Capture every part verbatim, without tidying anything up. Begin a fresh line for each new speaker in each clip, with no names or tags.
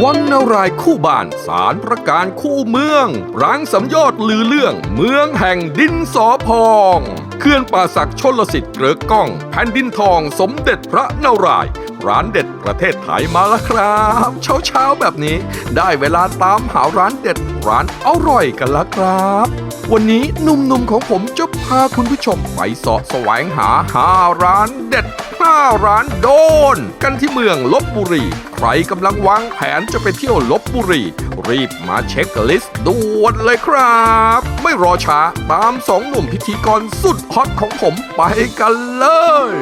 วังนารายคู่บ้านศาลประการคู่เมืองร้างสำยอดลือเรื่องเมืองแห่งดินสอพองเขื่อนป่าสักชลสิทธิ์เกลือก้องแผ่นดินทองสมเด็จพระนารายณ์ร้านเด็ดประเทศไทยมาแล้วครับเช้าเช้าแบบนี้ได้เวลาตามหาร้านเด็ดร้านอร่อยกันแล้วครับวันนี้หนุ่มๆของผมจะพาคุณผู้ชมไปเสาะแสวงหาห้าร้านเด็ดห้าร้านโดนกันที่เมืองลพบุรีใครกำลังวางแผนจะไปเที่ยวลพบุรีรีบมาเช็คลิสต์ด่วนเลยครับไม่รอช้าตามสองหนุ่มพิธีกรสุดฮอตของผมไปกันเลย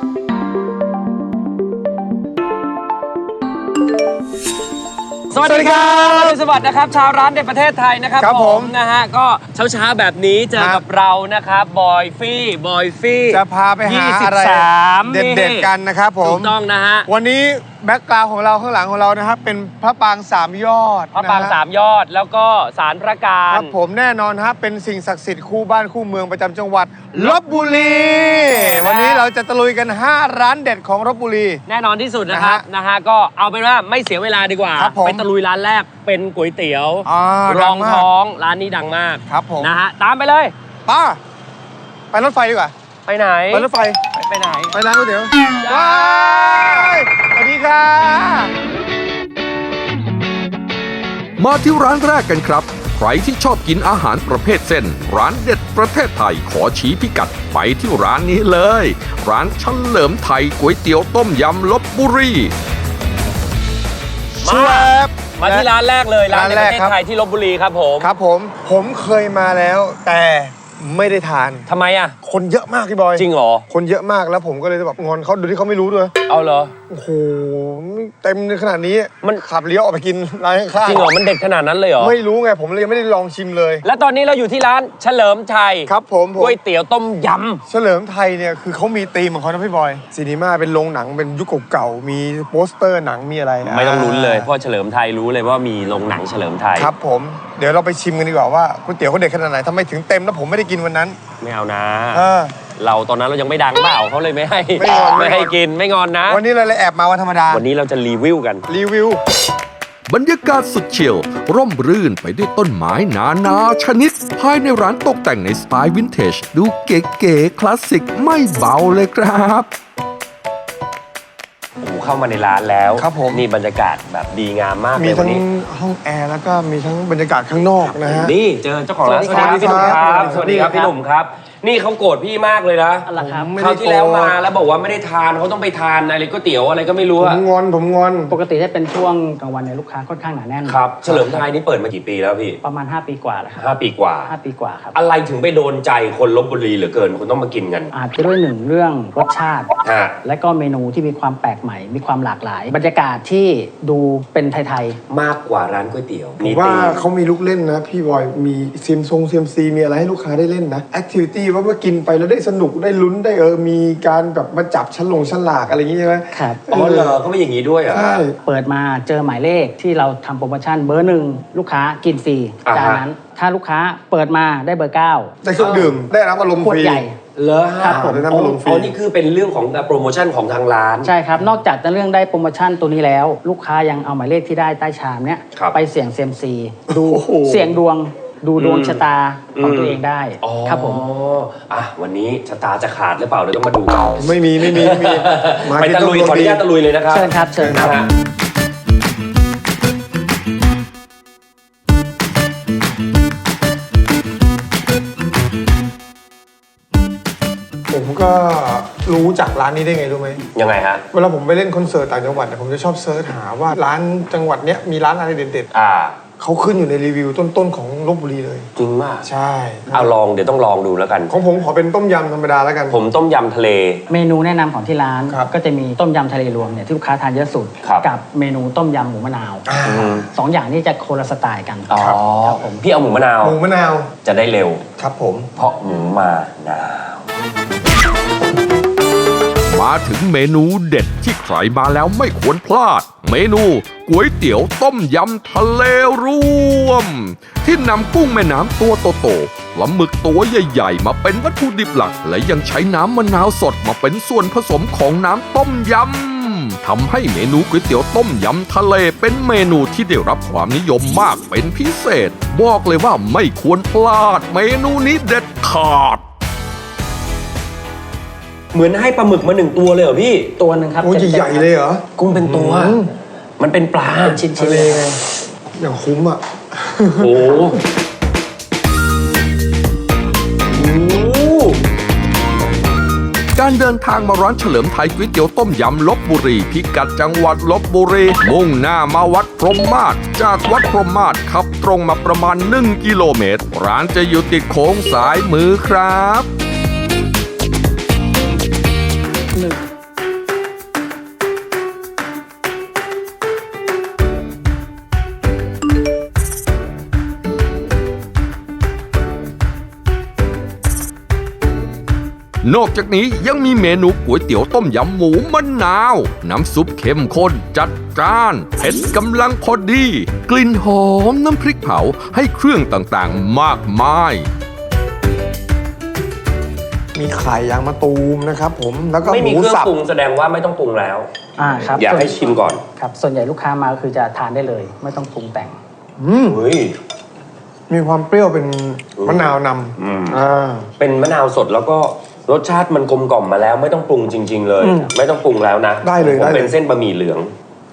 สวัสดีครับสวัสดีนะครับชาวร้านในประเทศไทยนะครับผมนะฮะก็เช้าๆแบบนี้เจอกับเรานะครับบอยฟี่บอยฟี่
จะพาไปหาอะไรเด็ดๆกันนะครับผม
ถูกต้องนะฮะ
วันนี้แบ็คกราวด์ของเราข้างหลังของเรานะครับเป็นพระปรางสามยอด
พระปรางสามยอดแล้วก็ศาลพระการ
ครับผมแน่นอนฮะเป็นสิ่งศักดิ์สิทธิ์คู่บ้านคู่เมืองประจำจังหวัดลพบุรีวันนี้เราจะตะลุยกันห้าร้านเด็ดของลพบุรี
แน่นอนที่สุดนะครับนะฮะก็เอาเป็นว่าไม่เสียเวลาดีกว่าไปตะลุยร้านแรกเป็นก๋วยเตี๋ยวรองท้องร้านนี้ดังมาก
ครับผม
นะฮะตามไปเลย
ป้าไปรถไฟดีกว่า
ไปไหน
ไปรถไฟ
ไปไหน
ไปร้านก๋วยเตี๋ยวว้ายสวัสดีค่ะ
มาที่ร้านแรกกันครับใครที่ชอบกินอาหารประเภทเส้นร้านเด็ดประเทศไทยขอชี้พิกัดไปที่ร้านนี้เลยร้านเฉลิมไทยก๋วยเตี๋ยวต้มยำลพบุรี
มามาที่ร้านแรกเลยร้านในประเทศไทยที่ลพบุรีครับผม
ครับผมผมเคยมาแล้วแต่ไม่ได้ทาน
ทำไมอ่ะ
คนเยอะมากพี่บอย
จริงเหรอ
คนเยอะมากแล้วผมก็เลยแบบงอนเขาโดยที่เขาไม่รู้ด้วย
เอาเหรอ
โอ้โหเต็มขนาดนี้มันขับเลี้ยวออกไปกินร้านข้าง
จริงเหรอมันเด็ดขนาดนั้นเลยเหรอ
ไม่รู้ไงผมเลยไม่ได้ลองชิมเลย
แล้วตอนนี้เราอยู่ที่ร้านเฉลิมไทย
ครับผม
ก๋วยเตี๋ยวต้มยำ
เฉลิมไทยเนี่ยคือเขามีธีมของเขานะพี่บอยซีนีมาเป็นโรงหนังเป็นยุคเก่าๆมีโปสเตอร์หนังมีอะไร
ไม่ต้องลุ้นเลยเพราะเฉลิมไทยรู้เลยว่ามีโรงหนังเฉลิมไทย
ครับผมเดี๋ยวเราไปชิมกันดีกว่าว่าก๋วยเตี๋ยวเขาเด็ดขนาดไหนทำไมถึงเต็มแล้วผมไม่ได้กินวันนั้น
ไม่เอานะเราตอนนั้นเรายังไม่ดังเปล่าเขาเลยไม่ให้ไม่ให้กินไม่งอนนะ
วันนี้เราเลยแอบมาวันธรรมดา
วันนี้เราจะรีวิวกัน
รีวิว
บรรยากาศสุดเฉียวร่มรื่นไปด้วยต้นไม้นานาชนิดภายในร้านตกแต่งในสไตล์วินเทจดูเก๋ๆคลาสสิกไม่เบาเลยครับ
โอ้เข้ามาในร้านแล้ว
ครับผม
นี่บรรยากาศแบบดีงามมากเลย
มีทั้งห้องแอร์แล้วก็มีทั้งบรรยากาศข้างนอกนะฮะ
นี่เจอเจ้าของร้านสวัสดีครับพี่หนุ่มครับสวัสดีครับพี่หนุ่มครับนี่เขาโกรธพี่มากเลยนะคราวที่แล้วมาแล้วบอกว่าไม่ได้ทานเขาต้องไปทานอะไรก๋วยเตี๋ยวอะไรก็ไม่รู้
ผมงอนผมงอน
ปกติถ้าเป็นช่วงกลางวันเนี่ยลูกค้าค่อนข้างหนาแน่น
ครับเฉลิมไทยนี่เปิดมากี่ปีแล้วพี่
ประมาณห้าปีกว่าแล้วครับ
ห้าปีกว่า
ห้าปีกว่าครับ
อะไรถึงไปโดนใจคนลพบุรีเหลือเกินคนต้องมากินกัน
อาจจะด้วยหนึ่งเรื่องรสชาติและก็เมนูที่มีความแปลกใหม่มีความหลากหลายบรรยากาศที่ดูเป็นไทย
ๆมากกว่าร้านก๋วยเตี๋ยว
ผมว่าเขามีลูกเล่นนะพี่บอยมีเซียมซงเซียมซีมีอะไรให้ลูกค้าได้เล่นนะแอคทิวิตี้ว่าเมื่อกินไปแล้วได้สนุกได้ลุ้นได้เออมีการแบบมาจับชั้นลงชั้นหลากอะไรอย่างงี้ใช่ไหม
ครับ
อ๋อเหรอเขาไม่อย่างนี้ด้วยอ่ะ
ใช่
เปิดมาเจอหมายเลขที่เราทำโปรโมชั่นเบอร์หนึ่งลูกค้ากินฟรีจากนั้นถ้าลูกค้าเปิดมาได้เบอร์เก้า
ได้เครื่องดื่มได้รับอารมณ์ฟรี
ใหญ่
เหรอ
ครับผม
ได้รับอารมณ์ฟรี
อ๋อนี่คือเป็นเรื่องของโปรโมชั่นของทางร้าน
ใช่ครับนอกจากจะเรื่องได้โปรโมชั่นตัวนี้แล้วลูกค้ายังเอาหมายเลขที่ได้ใต้ชามเนี้ยไปเสี่ยงเซียมซีดูเสี่ยงดวงดูดวงชะตาของตัวเองได้ครับผม
อ่ะวันนี้ชะตาจะขาดหรือเปล่าเดี๋ยวต้องมาดูกัน
ไม่มีไม่มีไม่มี
ไปตะลุยขออนุญาตตะลุยเลยนะครับ
เชิญครับเชิญครับ
ผมก็รู้จักร้านนี้ได้ไงรู้ไหม
ยังไงฮะ
เวลาผมไปเล่นคอนเสิร์ตต่างจังหวัดเนี่ยผมจะชอบเซิร์ชหาว่าร้านจังหวัดเนี้ยมีร้านอะไรเด็ดๆ
อ่า
เขาขึ้นอยู่ในรีวิวต้นๆของลพบุรีเลย
จริงมาก
ใช่
เอาลองเดี๋ยวต้องลองดูแล้วกัน
ของผมขอเป็นต้มยำธรรมดาแล้วกัน
ผมต้มยำทะเล
เมนูแนะนำของที่ร้านก็จะมีต้มยำทะเลรวมเนี่ยที่ลูกค้าทานเยอะสุดกับเมนูต้มยำหมูมะนาวสองอย่างนี้จะคนละสไตล์กัน
อ๋อผมพี่เอาหมูมะนาว
หมูมะนาว
จะได้เร็ว
ครับผม
เพราะหมูมะนาว
มาถึงเมนูเด็ดที่ใครมาแล้วไม่ควรพลาดเมนูก๋วยเตี๋ยวต้มยำทะเลรวมที่นำกุ้งแม่น้ำตัวโตๆปลาหมึกตัวใหญ่ๆมาเป็นวัตถุดิบหลักและยังใช้น้ำมะนาวสดมาเป็นส่วนผสมของน้ำต้มยำทำให้เมนูก๋วยเตี๋ยวต้มยำทะเลเป็นเมนูที่ได้รับความนิยมมากเป็นพิเศษ บอกเลยว่าไม่ควรพลาดเมนูนี้เด็ดขาด
เหมือนให้ปลาหมึกมาหนึ่งตัวเลยเหรอพี่
ตัวหนึ่งครับ
โอ้ย
ต็มๆ
ใหญ่ๆเลยเหรอ
กุ้งเป็นตัว
อืม
มันเป็นปลา
เป็นชิ้น
ทะ
ๆ
เล
เลย
ไงอย่างคุ้มอ่ะ
โอ้โหโอ้โห
การเดินทางมาร้านเฉลิมไทยก๋วยเตี๋ยวต้มยำลพบุรีพิกัดจังหวัดลพบุรีมุ่งหน้ามาวัดพรหมมาศจากวัดพรหมมาศขับตรงมาประมาณหนึ่งกิโลเมตร ร้านจะอยู่ติดโค้งสายมือครับ
หนึ่ง
นอกจากนี้ยังมีเมนูก๋วยเตี๋ยวต้มยำหมูมะนาว น้ำซุปเข้มข้นจัดจ้านเผ็ดกำลังพอดี กลิ่นหอมน้ำพริกเผาให้เครื่องต่างๆมากมาย
มีไข่ยางมะตูมนะครับผมแล้วก็
ไม่
ห
มี
มู
เครื่อง
สับ
ปรุงแสดงว่าไม่ต้องปรุงแล้ว
อ่าครับ
อยากให้ชิมก่อน
ครับส่วนใหญ่ลูกค้ามาก็คือจะทานได้เลย ไม่ต้องปรุงแต่ง
อืม
เฮ้ย
มีความเปรี้ยวเป็นมะนาวน
อืม
ำอ่า
เป็นมะนาวสดแล้วก็รสชาติมันกลมกล่อมมาแล้ว ไม่ต้องปรุงจริง ๆ เลย
อืม
ไม่ต้องปรุงแล้วนะ
ได้เลย
ผม
ได้เลย
เป็นเส้นบะหมี่เหลือง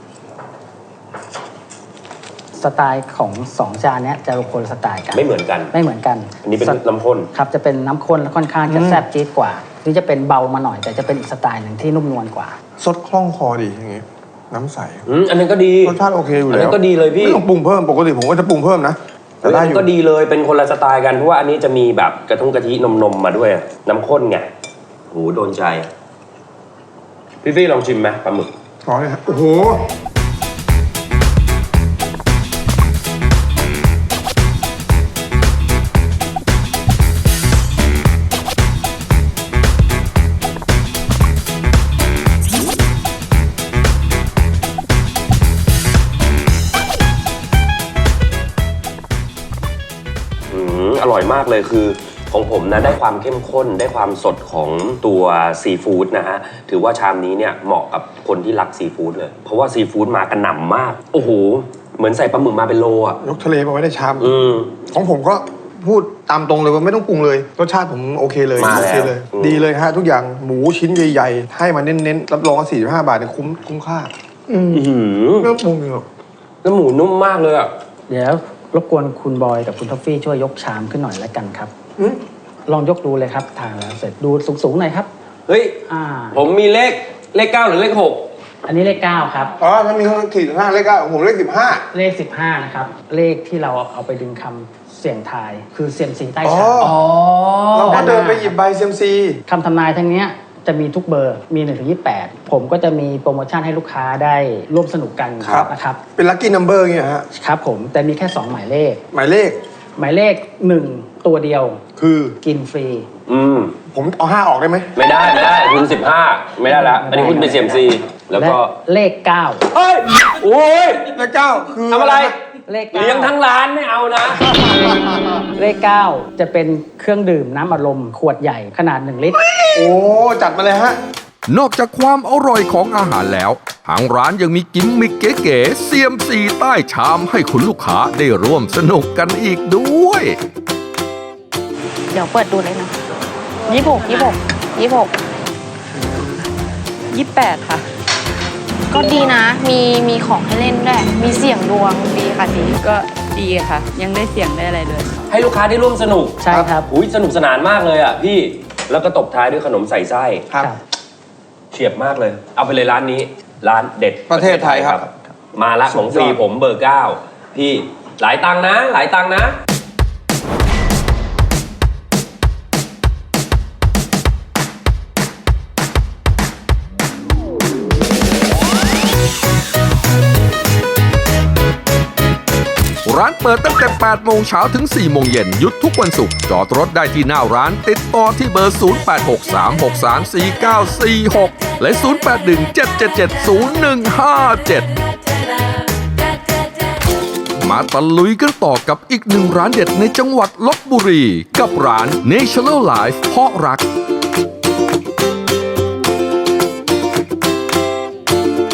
สไตล์ของสองจานเนี้ยจะคนละสไตล์กัน
ไม่เหมือนกัน
ไม่เหมือนกัน
อันนี้เป็น
ส
น้ำข้น
ครับจะเป็นน้ำข้นและค่อนข้างจะแซ่บจี๊ดกว่านี่จะเป็นเบามาหน่อย แต่จะเป็นอีกสไตล์หนึ่งที่นุ่มนวลกว่า
สดคล่องคอดีอย่างงี้ น้ำใส
อืมอันนั้นก็ดี
รสชาติโอเคอยู่
อัน
แล้
นั้
วน
ก็ดีเลยพี่
ไม่ต้องปรุงเพิ่มปกติผมก็จะปรุงเพิ่มนะแต่
เฮ้ย
ได้
อัน
อ
นั้น
ยู่
ก็ดีเลยเป็นคนละสไตล์กันเพราะว่าอันนี้จะมีแบบกระทุ้งกะทินมนมๆมาด้วย น้ำข้นไงโหโดนใจ พี่ฟี่ลองชิมไหมปลาหมึก
ขอเลยครับโอ้โห
อืมอร่อยมากเลยคือของผมนะได้ความเข้มข้นได้ความสดของตัวซีฟู้ดนะฮะถือว่าชามนี้เนี่ยเหมาะกับคนที่รักซีฟู้ดเลย เพราะว่าซีฟู้ดมากระหน่ำมาก โอ้โห เหมือนใส่ปลาหมึกมาเป็นโลอ่ะ
ยกทะเลมาไว้ในชาม
อืม
ของผมก็พูดตามตรงเลยว่าไม่ต้องปรุงเลยรสชาติผมโอเคเลย
มาแล้ว
โอเคเลย
อืม
ดีเลยฮะทุกอย่างหมูชิ้นใหญ่ๆ ให้มาเน้นๆรับรองว่าสี่สิบห้าบาทเนี่ยคุ้มคุ้มค่า อืม
อื้อหือ
ไม่ต้องปรุงเลยหรอก
แล้วหมูนุ่มมากเลยอ่ะ
เดี๋ยวรบกวนคุณบอยกับคุณท็อฟฟี่ช่วยยกชามขึ้นหน่อยแล้วกันครับ
อืม
ลองยกดูเลยครับทานแล้วเสร็จดูสูงๆหน่อยครับ
เฮ้ย
อ่า
ผมมีเลขเลขเก้าหรือเลขหก
อันนี้เลขเก้าครับ
อ๋อมันมีคนขีดห้าเลขเก้าของผมเลขสิบห้า
เลขสิบห้านะครับ เลขที่เราเอาไปดึงคำเสี่ยงทาย คือเซียมซีใต้
อ๋อ
ชาม
อ๋อ
เราก็เดินไปหยิบใบเซียมซี
คำทำนายทั้งเนี้ยจะมีทุกเบอร์มีหนึ่งถึงยี่สิบแปดผมก็จะมีโปรโมชั่นให้ลูกค้าได้ร่วมสนุกกันนะครับ
เป็นลัคกี้นัมเบอร์เงี้ยฮะ
ครับผมแต่มีแค่สองหมายเลข
หมายเลข
หมายเลขหนึ่งตัวเดียว
คือ
กินฟรี
อืม
ผมเอาห้าออกได้ไหม
ไม่ได้ไม่ได้คุณสิบห้าไม่ได้ละอันนี้คุณเป็นเซียมซีแล้วก็
และเลขเก้า
เฮ้ยโอ้ย
เลขเก้าคือ
ทำอะไร
เลขเก้า
เลี้ยงทั้งร้านไม่เอานะ
เลขเก้าจะเป็นเครื่องดื่มน้ำอัดลมขวดใหญ่ขนาดหนึ่งลิตร
โอ้จัดมาเลยฮะ
นอกจากความอร่อยของอาหารแล้ว ทางร้านยังมีกิมมิคเก๋ๆเซียมซีใต้ชามให้คุณลูกค้าได้ร่วมสนุกกันอีกด้วย
เดี๋ยวเปิดดูเลยนะยี่หกยี่หกยี่หกยี่แปดค่ะ ก็ดีนะ มีมีของให้เล่นด้วย มีเสี่ยงดวงดีค่ะดี
ก็ดีค่ะ ยังได้เสียงได้อะไรเลย
ให้ลูกค้าได้ร่วมสนุก
ใช่ครับ
อุ้ยสนุกสนานมากเลยอ่ะพี่แล้วก็ตบท้ายด้วยขนมใส่ไส้
ครับ
เฉียบมากเลย เอาไปเลยร้านนี้ ร้านเด็ด
ประเทศไทยครับ
มาละของฟรีผมเบอร์เก้าพี่หลายตังค์นะ หลายตังค์นะ
ร้านเปิดตั้งแต่แปดโมงเช้าถึงสี่โมงเย็นหยุดทุกวันศุกร์จอดรถได้ที่หน้าร้านติดต่อที่เบอร์ ศูนย์ แปด หก สาม หก สาม สี่ เก้า สี่ หก และ ศูนย์ แปด หนึ่ง เจ็ด เจ็ด เจ็ด ศูนย์ หนึ่ง ห้า เจ็ด มาตะลุยกันต่อกับอีกหนึ่งร้านเด็ดในจังหวัดลพบุรี กับร้าน Natural Life เพาะรัก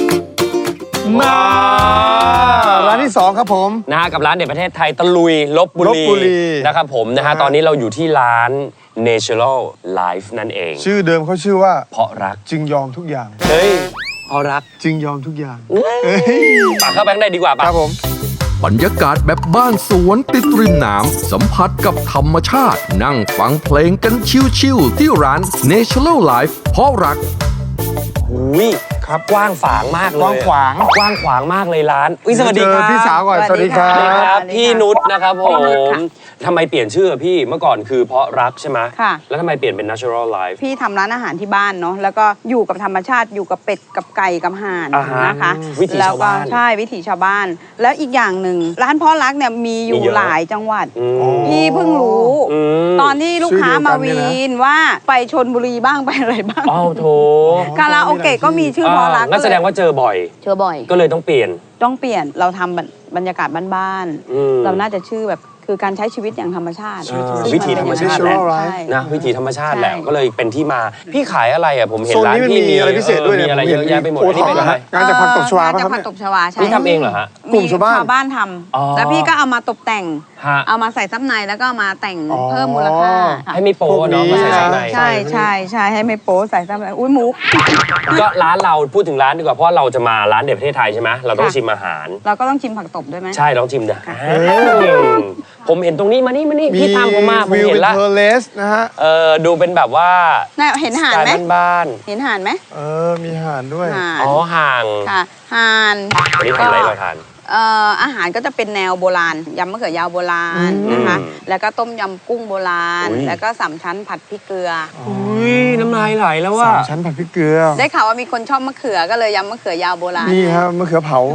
มาร้านที่สองครับผม
นะฮะกับร้านเด็ดประเทศไทยตะลุยลบบุ
ลพบุรี
นะครับผมนะฮะตอนนี้เราอยู่ที่ร้าน Natural Life นั่นเอง
ชื่อเดิมเขาชื่อว่า
เพราะรัก
จึงยอมทุกอย่าง
เฮ้ยเพราะรัก
จึงยอมทุกอย่าง
ปากเข้าไปข้างในดีกว่า
ค
ปะ
รับผม
บรรยากาศแบบบ้านสวนติดริมน้ำสัมผัสกับธรรมชาติ นั่งฟังเพลงกันชิวๆที่ร้าน Natural Life เพราะรัก
หุย
ครับ
กว้างฝางมากเลย
กว้างขวาง
กว้างขวางมากเลยร้านอุ้ยสวัสดี
เจ
ค
อ
รับ
พี่สาวก่อน สวัสดีครั
สวัสดีครับ
บ
พี่นุชนะครับผมทำไมเปลี่ยนชื่อพี่เมื่อก่อนคือเพราะรักใช่ไหม
ค่ะ
แล้วทำไมเปลี่ยนเป็น Natural Life
พี่ทำร้านอาหารที่บ้านเนาะแล้วก็อยู่กับธรรมชาติอยู่กับเป็ดกับไก่กับห่าน
อ่าฮะ
นะคะ
วิถีชาวบ้าน
แล้วก็ใช่วิถีชาวบ้าน แล้วอีกอย่างหนึ่งร้านพ่อรักเนี่ยมีอยู่
มีเยอะ
หลายจังหวัด
อืม
พี่เพิ่งรู้
อืม
ตอนที่ลูกค้ามาวีนว่าไปชนบุรีบ้างไปอะไรบ้าง
อ้าวโถ
คาราโอเกะก็มีชื่อพ่อรัก
งั้นแสดงว่าเจอบ่อย
เจอบ่อย
ก็เลยต้องเปลี่ยน
ต้องเปลี่ยนเราทำบรรยากาศบ้าน
อืม
ๆเราน่าจะชื่อแบบคือการใช้ชีวิตอย่างธรรมชาติ
อ่า
ซึ่ง
วิถีธรรมชาติแหละ
ใช่
นะวิถีธรรมชาติแหละ
ใช่
ก็เลยเป็นที่มาพี่ขายอะไรอ่ะผมเห็น
โซน
ร้าน
นี้มัน
ที่
มีอะไรพิเศษด้วย
มี
เนี่ย
อะไร
ผม
เย
เห็น
อะแยะไปหมด
โอ
อัน
ท็
นี้
อป
เป็นอะไร
งานจากผักตบชวา
เออ
ป่ะครับ
งานจากผักตบชวาใช่
นี่ทำเองเหรอฮะ
กลุ่มชาวบ้าน
ชาวบ้านท
อ๋อ
ำแล้วพี่ก็เอามาตกแต่ง
ฮะ
เอามาใส่ซับในแล้วก็เอามาแต่ง
อ๋อ
เพิ่มมูลค่าค่ะ
ให้ไม่โป๊ะเนาะ
พวกนี้
มาใส่ซับใน
ใช่ใช่ใช่ให้ไม่โป๊ใส่ซับในอุ้ยมุก
ก็ร้านเราพูดถึงร้านดีกว่าเพราะเราจะมาร้านเด็ดประเทศไทยใช่ไหมเราต้อง
ค่ะ
ชิมอาหาร
เราก็ต้องชิมผักตบด้วยไหม
ใช่ต้องชิมนะ
ค่ะ
ผมเห็นตรงนี้มานี่มานี่พี่ตามผมมาผม
วิว
เห็
เป็น น
ละ
เทอร์เลสนะฮะ
เออดูเป็นแบบว่า
น่าเห็นห่าน
ส
ไหม
ไตล์บ้าน
เห็นห่านไหม
เออ มีห่านด้วย
ห่าน
ๆอ๋อห่าง
ค่ะห่าน
วันนี้ทำอะไรเราทาน
เอ่ออาหารก็จะเป็นแนวโบราณยำมะเขือยาวโบราณนะคะ
อืม
แล้วก็ต้มยำกุ้งโบราณ
อุ๊ย
แล้วก็สามชั้นผัดพริกเกลืออ
อุ้ยน้ำลายไหลแล้วว่า
สามชั้นผัดพริกเกลือ
ได้ข่าวว่ามีคนชอบมะเขือก็เลยยำมะเขือยาวโบราณ
นี่ครับมะเขือเผา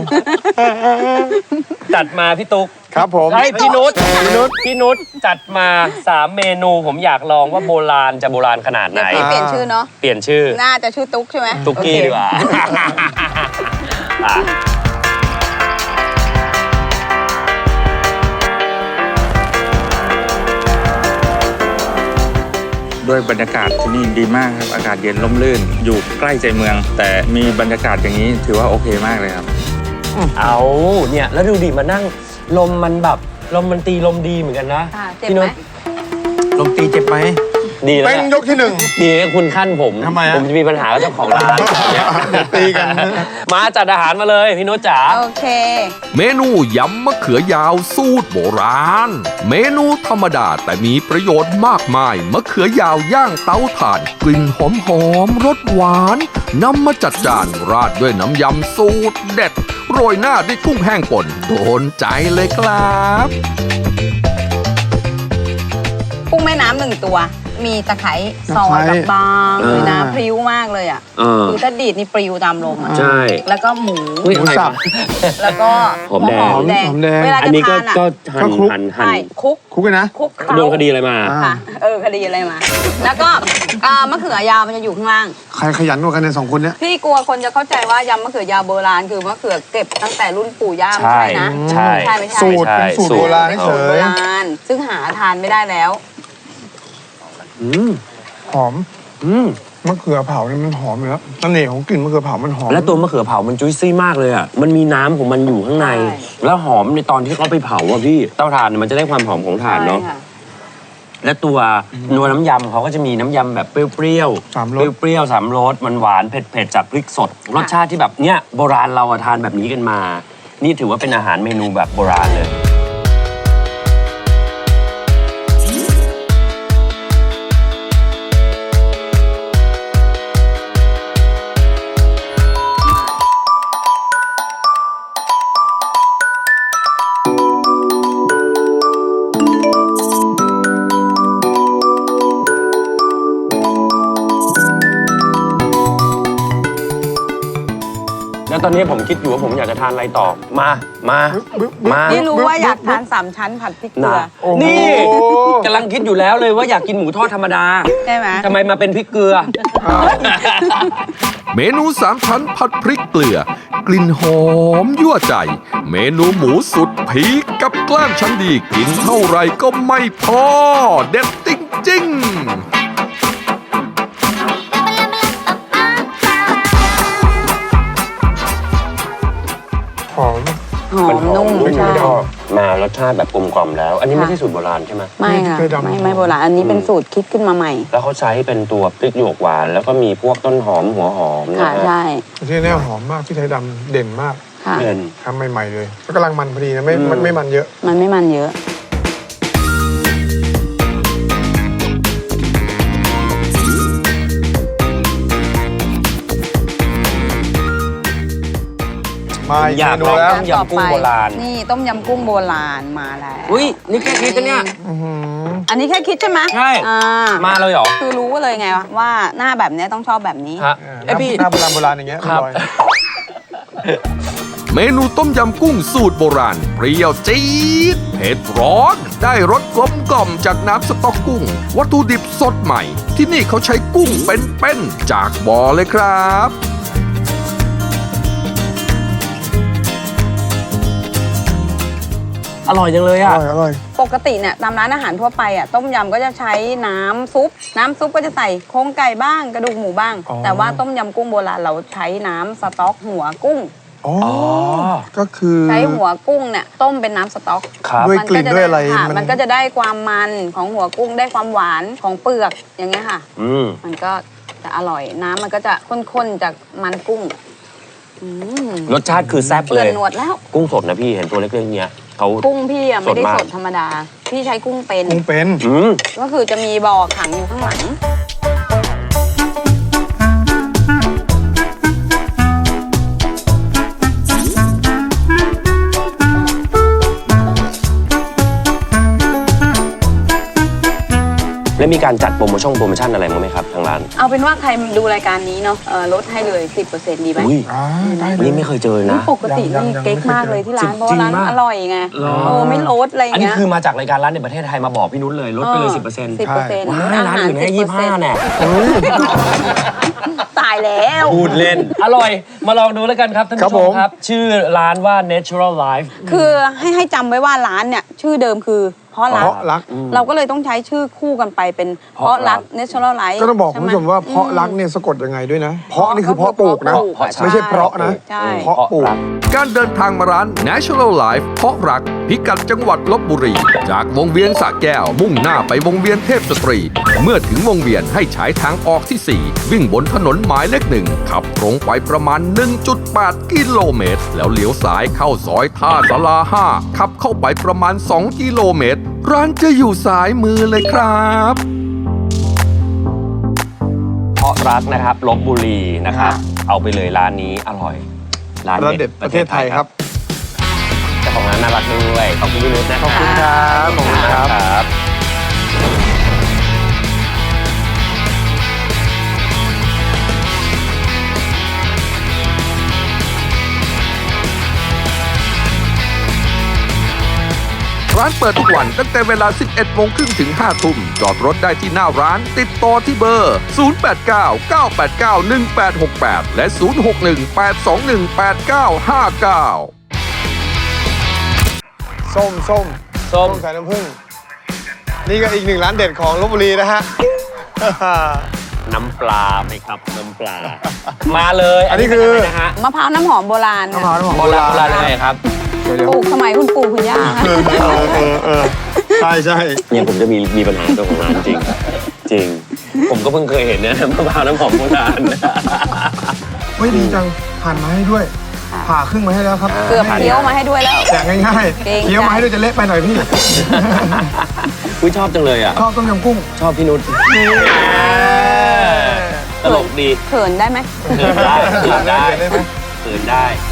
จัดมาพี่ตุ๊ก
ครับผม
เฮ้ยพี่นุช
พี่นุช
พี่นุชจัดมาสามเมนูผมอยากลองว่าโบราณจะโบราณขนาดไหน
เดี๋ยวพี่เปลี่ยนชื่อเนาะ
เปลี่ยนชื่อ
น่าจะชื่อตุ๊กใช่ไหม
ตุ๊กกี้
โอเค
ดีกว่าอ่ะ
ด้วยบรรยากาศที่นี่ดีมากครับ อากาศเย็นร่มรื่น อยู่ใกล้ใจเมือง แต่มีบรรยากาศอย่างนี้ถือว่าโอเคมากเลยครับ
เอาเนี่ยแล้วดูดิมานั่งลมมันแบบลมมันตีลมดีเหมือนกันนะ
ค่ะเจ็บ
พี่
ไห
นุ
ม
ช
ลมตีเจ็บไหม
ดีแล้ว
เป็น
เนี่ย
ยกที่หนึ่ง
ดีนะคุณขั้นผม
ทำไมอะ
ผมจะมีปัญหากับเจ้าของร้านเนี่ย
ตีกัน
มาจัดอาหารมาเลยพี่นุชจ๋า
โอเค
เมนูยำมะเขือยาวสูตรโบราณ เมนูธรรมดาแต่มีประโยชน์มากมายมะเขือยาวย่างเตาถ่าน กลิ่นหอมหอมๆรสหวานนำมาจัดจานราดด้วยน้ำยำสูตรเด็ด โรยหน้าด้วยกุ้งแห้งป่นโดนใจเลยครับ
กุ้งแม่น้ำหนึ่งตัว มีตะไคร้ซอยแบบบางเลยนะพริ้วมากเลยอ่ะ
เออ
คือถ้าดีดนี่ปลิวตามลมอ่ะ
ใช่
แล้วก็หมู
อุ๊ย
หมูสับ
แล้วก็
หอมแดง
หอมแดง
หอมแดง
เวลา
อัน
จะ
นี้ก็
ทานอ่ะ
ก็หั่น
ก็คลุก
หั่นหั่น
ใช่คลุก
คุกกันนะ
คลุกเคล้า
โดนคดีอะไรมา
อ่า
ค่ะ เออคดีอะไรมา แล้วก็อ่ามะเขือยาวมันจะอยู่ข้างล่าง
ใครขยันกว่ากันในยสองคนเนี้ย
พี่กลัวคนจะเข้าใจว่ายำมะเขือยาวโบราณคือมะเขือเก็บตั้งแต่รุ่นปู่ย่าไม่
ใช่
ใช่นะ
ใช่
ใช่ไม่ใช่
สูตรเป็นสูตรโบราณ
เป็น
เฉ
สูตรโบ
ย
ราณซึ่งหาทานไม่ได้แล้ว
อืม
หอม
อืม
มะเขือเผาเนี่ยมันหอมอยู่แล้วเสน่ห์ของกลิ่นมะเขือเผามันหอม
แล้วตัวมะเขือเผามันจุ้ยซี่มากเลยอ่ะ มันมีน้ำของมันอยู่ข้างใน
ใช่
แล้วหอมในตอนที่เขาไปเผาอ่ะพี่ เตาถ่านเนี่ยมันจะได้ความหอมของถ่านเนาะ
ใช่ค่ะ
และตัวนัวน้ำยำเขาก็จะมีน้ำยำแบบเปรี้ยวๆ
สามรส
เปรี้ยวๆสามรสมันหวานเผ็ดๆจากพริกสด รสชาติที่แบบเนี้ยโบราณเราอะทานแบบนี้กันมา นี่ถือว่าเป็นอาหารเมนูแบบโบราณเลย แล้วตอนนี้ผมคิดอยู่ว่าผมอยากจะทานอะไรต่อ มา มา มา
นี่รู้ว่าอยากทานสามชั้นผัดพริกเกลื
นะ
อ
นี่กำลังคิดอยู่แล้วเลยว่าอยากกินหมูทอดธรรมดา
ใช่ไหม
ทำไมมาเป็นพริกเกลือ
เมนูสามชั้นผัดพริกเกลือ กลิ่นหอมยั่วใจ เมนูหมูสุดพีคกับกล้ามชั้นดีกินเท่าไรก็ไม่พอ เด็ดจริงๆ
อ
มารสชาติแบบกลมกล่อมแล้ว อันนี้ไม่ใช่สูตรโบราณใช่ไหม
ไม่ค่ะ
พริกไทยดำ
ไม่ไม่โบราณอันนี้เป็นสูตรคิดขึ้นมาใหม่
แล้วเขาใช้เป็นตัวพริกหยวกหวาน แล้วก็มีพวกต้นหอมหัวหอมนะ
ค่ะ
ฮะ
ใช่
ที่แน่หอมมากพี่ไทยดำเด่นมาก
ค่ะ
เด่น
ทำใหม่ๆเลยแล้วกำลังมันพอดีนะไม่
อืม
มันไม่มันเยอะ
มันไม่มันเยอะ
มาอีก
อยาก
เมนู
ลอง
แล้ว
ต้มยำกุ้งโบราณ
นี่ต้มยำกุ้งโบราณมาแล้ว
อุ้ยนี่แค่คิดนะเนี่ย
อื้อหือ
อันนี้แค่คิดใช่ไหม
ใช่
อ่า
มาเลยเหรอ
คือรู้เลยไงว่าหน้าแบบเนี้ยต้องชอบแบบนี้
ฮะ
เอ
เอ้ย
อ
พี่
หน้าโบราณโบราณอย่างเงี้ย
ครับ
ออย
เมนูต้มยำกุ้งสูตรโบราณ เปรี้ยวจี๊ดเผ็ดร้อน ได้รสกลมกล่อมจากน้ำสต๊อกกุ้ง วัตถุดิบสดใหม่ ที่นี่เขาใช้กุ้งเป็นๆจากบ่อเลยครับ
อร่อยจังเลย
อ
อ่ะ
ร่อยอร่อย
ปกติเนี่ยตามร้านอาหารทั่วไปอ่ะต้มยำก็จะใช้น้ำซุป น้ำซุปก็จะใส่โครงไก่บ้างกระดูกหมูบ้าง
อ๋อ
แต่ว่าต้มยำกุ้งโบราณเราใช้น้ำสต๊อกหัวกุ้ง
อ๋อก็คือ
ใช้หัวกุ้งเนี่ยต้มเป็นน้ำสต๊อก
ครับ
ด้วย
มั
กลิ่น
จ
ด้วยอะไร
ค่
มัน
มันก็จะได้ความมันของหัวกุ้งได้ความหวานของเปลือกอย่างเงี้ยค่ะ
อืม
มันก็จะอร่อยน้ำมันก็จะข้นๆจากมันกุ้งอืม
รสชาติคือแซ่บ
เปื่
เล
อน
ย
หนวดแล้ว
กุ้งสดนะพี่เห็นตัวเล็กๆเนี้ยเขา
กุ้งพี่อะไม่ได้
สดมาก
สดธรรมดา พี่ใช้กุ้งเป็น
กุ้งเป็น
อืม
ก็คือจะมีบ่อขังอยู่ข้างหลัง
แล้วมีการจัดโปรโมชั่นโปรโมชั่นอะไรมั้างไหมครับทางร้าน
เอาเป็นว่าใครดูรายการนี้เนาะเอ่อลดให้เลย สิบเปอร์เซ็นต์ ดีไหม
อุ้ย
อ่าได้
อันนี้ไม่เคยเจอนะ
ปกตินี่เก๊กมากเลยที่ร้าน เพราะว่าร้านอร่อยไงเออไม่ลดอะไร
อันนี้
เงี้ย
คือมาจากรายการร้านในประเทศไทยมาบอกพี่นุชเลยลดไปเลย สิบเปอร์เซ็นต์
สิบเปอร์เซ็นต์
ว้ายร้านอื่นให้ยี่สิบห้าแน่
ตายแล้ว
พูดเล่น
อร่อย มาลองดูแล้วกันครับท่าน
ครับ
ผู้ช
ผม ม
ครับ ชื่อร้านว่า Natural Life
คือให้ให้จำไว้ว่าร้านเนี่ยชื่อเดิมคือเพราะ
เพ
รัก
ราะรัก
เราก็เลยต้องใช้ชื่อคู่กันไปเป็นเพราะรัก Natural Life
ก็ต้องบอกคุณผู้ชมว่าเพราะรักเนี่ยสะกดยังไงด้วยนะ เพราะนี่คือเพราะปลูกนะ
เพราะ
ไม่ใช่เพราะนะ
ใช่
เพราะปลูก
การเดินทางมาร้าน Natural Life เพราะรัก พิกัดจังหวัดลบบุรี จากวงเวียนสระแก้ว มุ่งหน้าไปวงเวียนเทพสตรี เมื่อถึงวงเวียนให้ใช้ทางออกที่ สี่ วิ่งบนถนนหมายเลขหนึ่งขับตรงไปประมาณ หนึ่งจุดแปด กิโลเมตร แล้วเลี้ยวซ้ายเข้าซอยท่าสลาห้าขับเข้าไปประมาณ สอง กิโลเมตร ร้านจะอยู่ซ้ายมือเลยครับ
เพราะรักนะครับลบบุรีนะครับ เอาไปเลยร้านนี้อร่อย
ร้านเด็ดประเทศไทยครับ
เจ้าของร้านน่ารักด้วยขอบคุณพี่นุชนะ
ขอบคุณครับขอบคุณครับ
ครับ
ร้านเปิดทุกวันตั้งแต่เวลา สิบเอ็ดโมงครึ่งถึง ห้า ทุ่ม จอดรถได้ที่หน้าร้าน ติดต่อที่เบอร์ ศูนย์ แปด เก้า เก้า แปด เก้า หนึ่ง แปด หก แปด และ ศูนย์ หก หนึ่ง แปด สอง หนึ่ง แปด เก้า ห้า เก้า
ส้มส้ม
ส้ม
ใส่น้ำผึ้งนี่ก็อีกหนึ่งร้านเด็ดของลบบุรีนะฮะ
น้ำปลาไหมครับน้ำปลา
มาเลย
อันนี้คือ
เป็ะไรนะฮะ
มะพร้าวน้ำหอมโบราณ
มะพร้าวน้ำหอม
โบราณโบราณยังไงครับ
เดี๋ยวเดี๋ยว
ปลูกสมัยคุณปู่คุณย่า
เออเออเออเออใช่ใช่
เนี่ยผมจะมีมีปัญหาเจ้าของร้านจริง จริง ผมก็เพิ่งเคยเห็นเนี่ยมะพร้าวน้ำหอมโบราณ
เฮ้ยดีจังหั่นมาให้ด้วย ผ่าครึ่งมาให้แล้วครับ
เกือบเคี้ยวมาให้ด้วยแล้ว
แจกง่าย
เกรง
ๆ
ใจ
เคี้ยวมาให้ด้วยจะเละไปหน่อยพี่
อุ้ยชอบจังเลยอ่ะ
ชอบต้มยำกุ้ง
ชอบพี่นุชตลกดี
เขินได้ไหม
เขินได้เขินได้
ได้ไหม
เขินได้